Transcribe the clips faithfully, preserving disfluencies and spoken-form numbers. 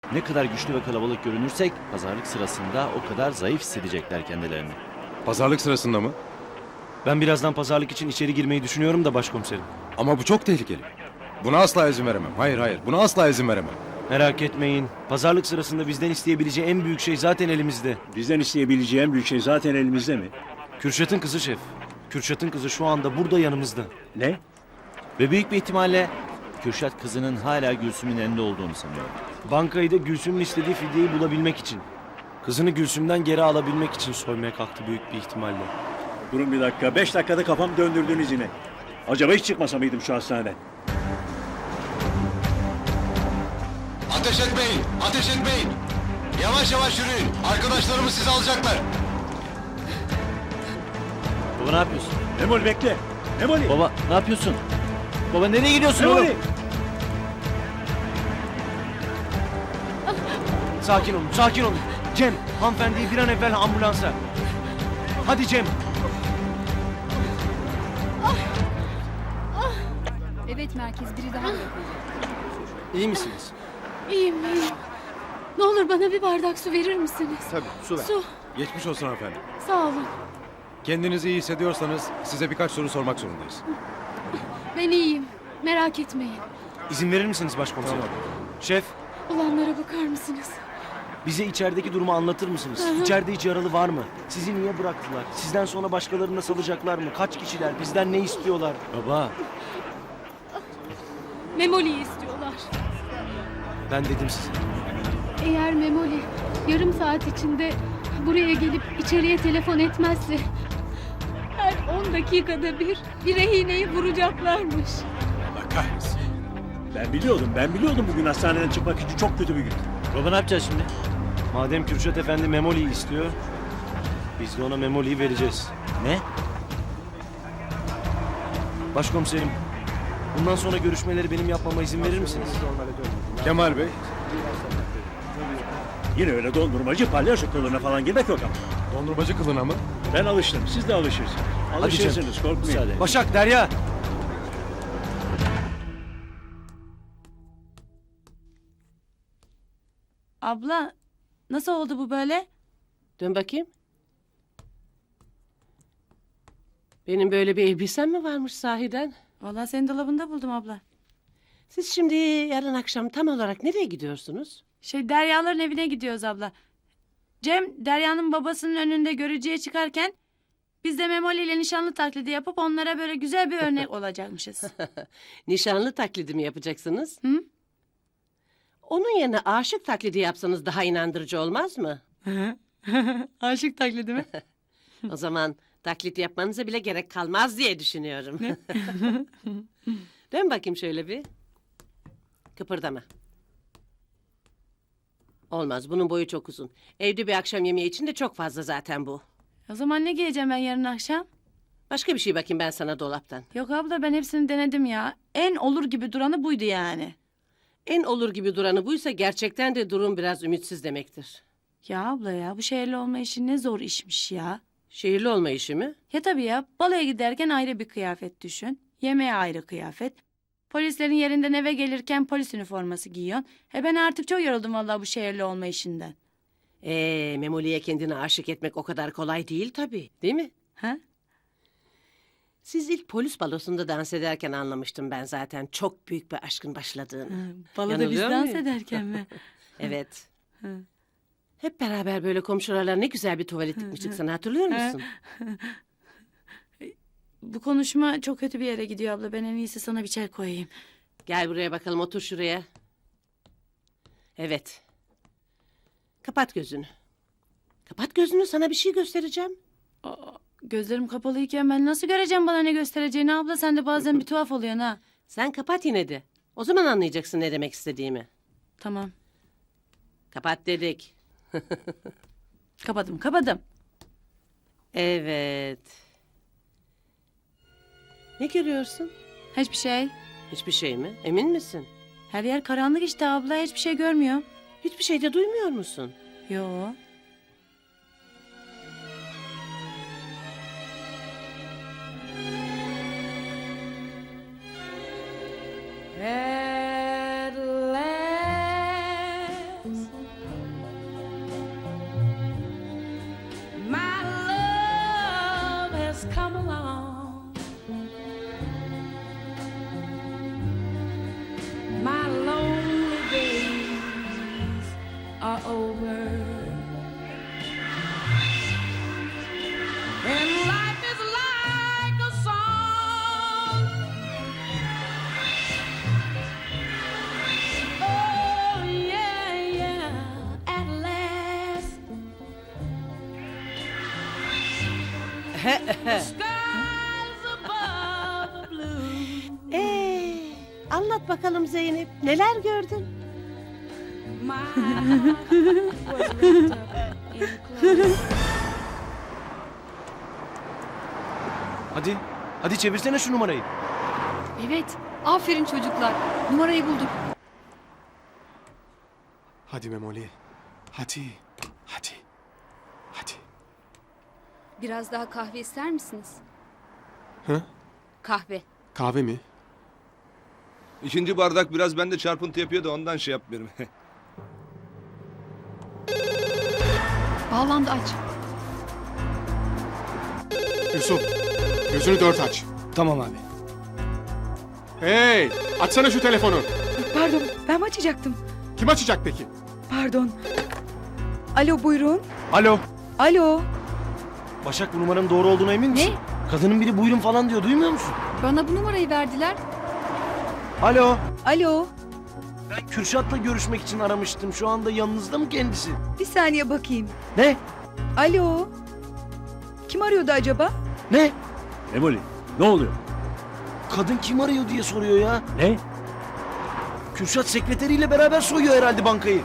Ne kadar güçlü ve kalabalık görünürsek pazarlık sırasında o kadar zayıf hissedecekler kendilerini. Pazarlık sırasında mı? Ben birazdan pazarlık için içeri girmeyi düşünüyorum da başkomiserim. Ama bu çok tehlikeli. Buna asla izin veremem. Hayır hayır, buna asla izin veremem. Merak etmeyin. Pazarlık sırasında bizden isteyebileceği en büyük şey zaten elimizde. Bizden isteyebileceği en büyük şey zaten elimizde mi? Kürşat'ın kızı şef. Kürşat'ın kızı şu anda burada yanımızda. Ne? Ve büyük bir ihtimalle Kürşat kızının hala Gülsüm'ün elinde olduğunu sanıyor. Bankayı da Gülsüm'ün istediği fidyeyi bulabilmek için. Kızını Gülsüm'den geri alabilmek için soymaya kalktı büyük bir ihtimalle. Durun bir dakika. Beş dakikada kafam döndürdünüz yine. Acaba hiç çıkmasa mıydım şu hastaneden? Ateş etmeyin! Ateş etmeyin! Yavaş yavaş yürüyün. Arkadaşlarımız sizi alacaklar. Baba ne yapıyorsun? Memoli bekle. Memoli. Baba ne yapıyorsun? Baba nereye gidiyorsun Memoli. oğlum? Sakin olun, sakin olun. Cem, hanımefendiyi bir an evvel ambulansa. Hadi Cem. Evet merkez biri daha yapıldı. İyi misiniz? İyiyim iyiyim. Ne olur bana bir bardak su verir misiniz? Tabii, su ver. Su. Geçmiş olsun hanımefendi. Sağ olun. Kendinizi iyi hissediyorsanız size birkaç soru sormak zorundayız. Ben iyiyim. Merak etmeyin. İzin verir misiniz başkomiserim? Şef, Olanlara bakar mısınız? bize içerideki durumu anlatır mısınız? Hı hı. İçeride hiç yaralı var mı? Sizi niye bıraktılar? Sizden sonra başkalarını da salacaklar mı? Kaç kişiler? Bizden ne istiyorlar? Baba Memoli'yi istiyorlar. Ben dedim size. Eğer Memoli yarım saat içinde buraya gelip içeriye telefon etmezse her on dakikada bir bir rehineyi vuracaklarmış. Allah kahretsin. Ben biliyordum. Ben biliyordum bugün hastaneden çıkmak için çok kötü bir gün. baba ne yapacağız şimdi? Madem Kürşat Efendi Memoli'yi istiyor, biz de ona Memoli'yi vereceğiz. Ne? Başkomiserim, bundan sonra görüşmeleri benim yapmama izin verir misiniz? Kemal Bey, Yine öyle dondurmacı palyaço kılığına falan girmek yok ama. dondurmacı kılına mı? Ben alıştım. Siz de alışırsınız. Alışırsınız. Korkmayın. Müsaade. Başak, Derya! Abla, nasıl oldu bu böyle? Dön bakayım. Benim böyle bir elbisem mi varmış sahiden? Vallahi senin dolabında buldum abla. Siz şimdi yarın akşam tam olarak nereye gidiyorsunuz? Şey Derya'ların evine gidiyoruz abla. Cem, Derya'nın babasının önünde görücüye çıkarken biz de Memoli ile nişanlı taklidi yapıp onlara böyle güzel bir örnek olacakmışız. Nişanlı taklidi mi yapacaksınız? Hı? Onun yerine aşık taklidi yapsanız daha inandırıcı olmaz mı? Aşık taklidi mi? O zaman taklit yapmanıza bile gerek kalmaz diye düşünüyorum. Dön bakayım şöyle bir. Kıpırdama. Olmaz, bunun boyu çok uzun. Evde bir akşam yemeği için de çok fazla zaten bu. O zaman ne giyeceğim ben yarın akşam? Başka bir şey bakayım ben sana dolaptan. Yok abla ben hepsini denedim ya. En olur gibi duranı buydu yani. En olur gibi duranı buysa gerçekten de durum biraz ümitsiz demektir. Ya abla ya bu şehirli olma işi ne zor işmiş ya. Şehirli olma işi mi? Ya tabii ya baloya giderken ayrı bir kıyafet düşün. Yemeğe ayrı kıyafet. Polislerin yerinden eve gelirken polis üniforması giyiyorsun. E ben artık çok yoruldum vallahi bu şehirli olma işinden. Ee, Memoli'ye kendini aşık etmek o kadar kolay değil tabii, değil mi? Ha? Siz ilk polis balosunda dans ederken anlamıştım ben zaten çok büyük bir aşkın başladığını. Baloda biz Yanılıyor dans muyum? ederken mi? Evet. Hı. Hep beraber böyle komşularla ne güzel bir tuvalet dikmiştik sana hatırlıyor musun? Bu konuşma çok kötü bir yere gidiyor abla. Ben en iyisi sana bir çay koyayım. Gel buraya bakalım otur şuraya. Evet. Kapat gözünü. Kapat gözünü sana bir şey göstereceğim. Aa, gözlerim kapalıyken ben nasıl göreceğim bana ne göstereceğini abla? Sen de bazen bir tuhaf oluyorsun ha. Sen kapat yine de. O zaman anlayacaksın ne demek istediğimi. Tamam. Kapat dedik. Kapadım kapadım. Evet. Ne görüyorsun? Hiçbir şey. Hiçbir şey mi? Emin misin? Her yer karanlık işte abla. Hiçbir şey görmüyorum. Hiçbir şey de duymuyor musun? Yo. At last come along. My lonely days are over, and life is like a song. Oh yeah, yeah, at last the skies above are blue. Ee, anlat bakalım Zeynep. Neler gördün? My heart was wrapped up in clover. Hadi. Hadi çevirsene şu numarayı. Evet. Aferin çocuklar. Numarayı bulduk. Hadi Memoli. Hadi. Hadi. Hadi. Biraz daha kahve ister misiniz? Hı? Kahve. Kahve mi? İkinci bardak biraz bende çarpıntı yapıyor da ondan şey yapmıyorum. Bağlandı, aç. Yusuf. Gözünü dört aç. Tamam abi. Hey! Açsana şu telefonu. Pardon, ben mi açacaktım? Kim açacak peki? Pardon. Alo, buyurun. Alo. Alo. Başak, bu numaranın doğru olduğuna emin misin? Ne? Kadının biri buyurun falan diyor, duymuyor musun? Bana bu numarayı verdiler. Alo. Alo. Ben Kürşat'la görüşmek için aramıştım. Şu anda yanınızda mı kendisi? Bir saniye bakayım. Ne? Alo. Kim arıyordu acaba? Ne? Memoli ne oluyor? Kadın kim arıyor diye soruyor ya. Ne? Kürşat sekreteriyle beraber soyuyor herhalde bankayı.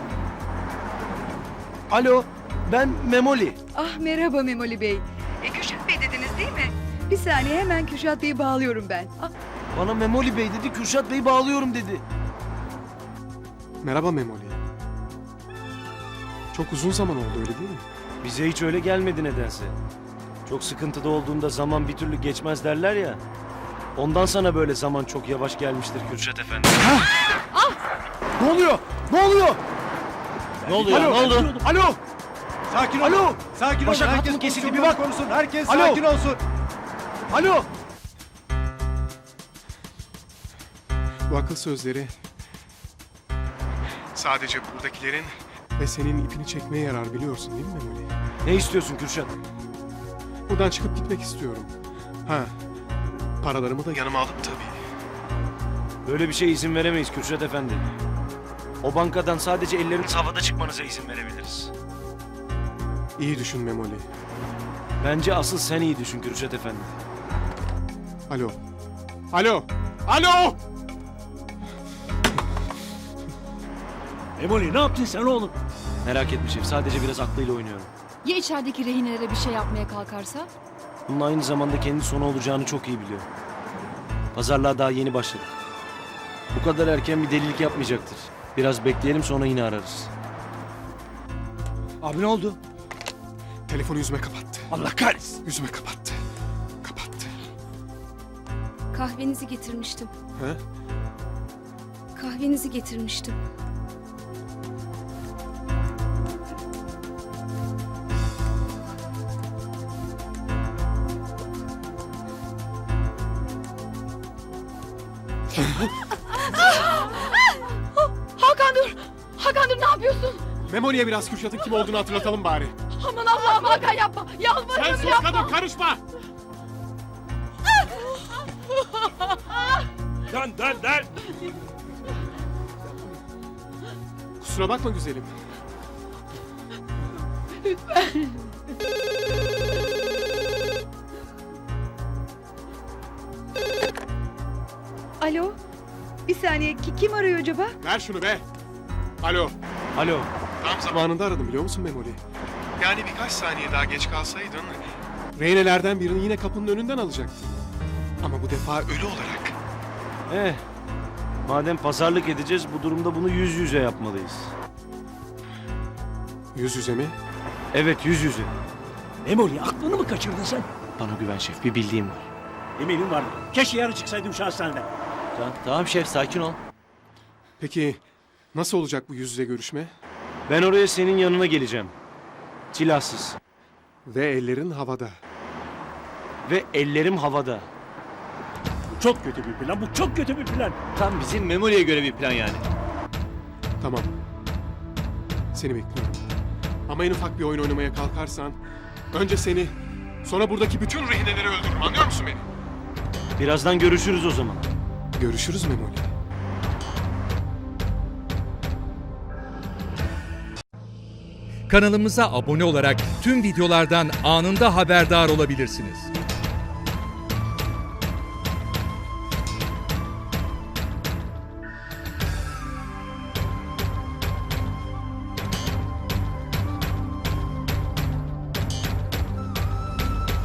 Alo, ben Memoli. Ah, merhaba Memoli Bey. E, Kürşat Bey dediniz değil mi? Bir saniye, hemen Kürşat Bey'i bağlıyorum ben. Ah, Bana Memoli Bey dedi, Kürşat Bey'i bağlıyorum dedi. Merhaba Memoli. Çok uzun zaman oldu öyle değil mi? Bize hiç öyle gelmedi nedense. Çok sıkıntıda olduğunda zaman bir türlü geçmez derler ya. Ondan sana böyle zaman çok yavaş gelmiştir Kürşat Efendi. Ne oluyor? Ne oluyor? Ne oluyor? Alo, Ne oldu? Alo. Sakin ol. Alo. Sakin Başak, ol. hattım Herkes kesildi, bir pozisyonunu bak. korusun. Herkes Alo. sakin olsun. Alo. Bu akıl sözleri sadece buradakilerin ve senin ipini çekmeye yarar, biliyorsun değil mi Memoli? Ne istiyorsun Kürşat? Buradan çıkıp gitmek istiyorum. Ha, paralarımı da yanıma alıp tabii. Böyle bir şeye izin veremeyiz Kürşat Efendi. O bankadan sadece elleriniz havada çıkmanıza izin verebiliriz. İyi düşün Memoli. Bence asıl sen iyi düşün Kürşat Efendi. Alo. Alo. Alo! Memoli ne yaptın sen oğlum? Merak etme şef, sadece biraz aklıyla oynuyorum. Ya içerideki rehinelere bir şey yapmaya kalkarsa? Bunun aynı zamanda kendi sonu olacağını çok iyi biliyor. Pazarlığa daha yeni başladık. Bu kadar erken bir delilik yapmayacaktır. Biraz bekleyelim, sonra yine ararız. Abi ne oldu? Telefonu yüzüme kapattı. Allah kahretsin. Yüzüme kapattı. Kapattı. Kahvenizi getirmiştim. He? Kahvenizi getirmiştim. Hakan dur. Hakan dur, ne yapıyorsun? Memoli'ye biraz Kürşat'ın kim olduğunu hatırlatalım bari. Aman Allah'ım, Hakan yapma. Sen Yalvarırım, sus yapma. kadın, karışma! Dön dön dön. Kusura bakma güzelim. Alo. Bir saniye, ki- kim arıyor acaba? Ver şunu be. Alo. Alo. Tam zamanında aradım, biliyor musun Memoli? Yani birkaç saniye daha geç kalsaydın... Reynelerden birini yine kapının önünden alacaktın. Ama bu defa ölü olarak. Eh, madem pazarlık edeceğiz, bu durumda bunu yüz yüze yapmalıyız. Yüz yüze mi? Evet, yüz yüze. Memoli aklını mı kaçırdın sen? Bana güven şef, bir bildiğim var. Eminim vardı. Keşke yarın çıksaydım şu hastaneden. Tamam, tamam şef, sakin ol. Peki nasıl olacak bu yüz yüze görüşme? Ben oraya senin yanına geleceğim. Silahsız. Ve ellerin havada. ve ellerim havada. Bu çok kötü bir plan. Bu çok kötü bir plan. Tam bizim Memoli'ye göre bir plan yani. Tamam. Seni bekliyorum. Ama en ufak bir oyun oynamaya kalkarsan önce seni, sonra buradaki bütün rehineleri öldürürüm. Anlıyor musun beni? Birazdan görüşürüz o zaman. Görüşürüz Memoli. Kanalımıza abone olarak tüm videolardan anında haberdar olabilirsiniz.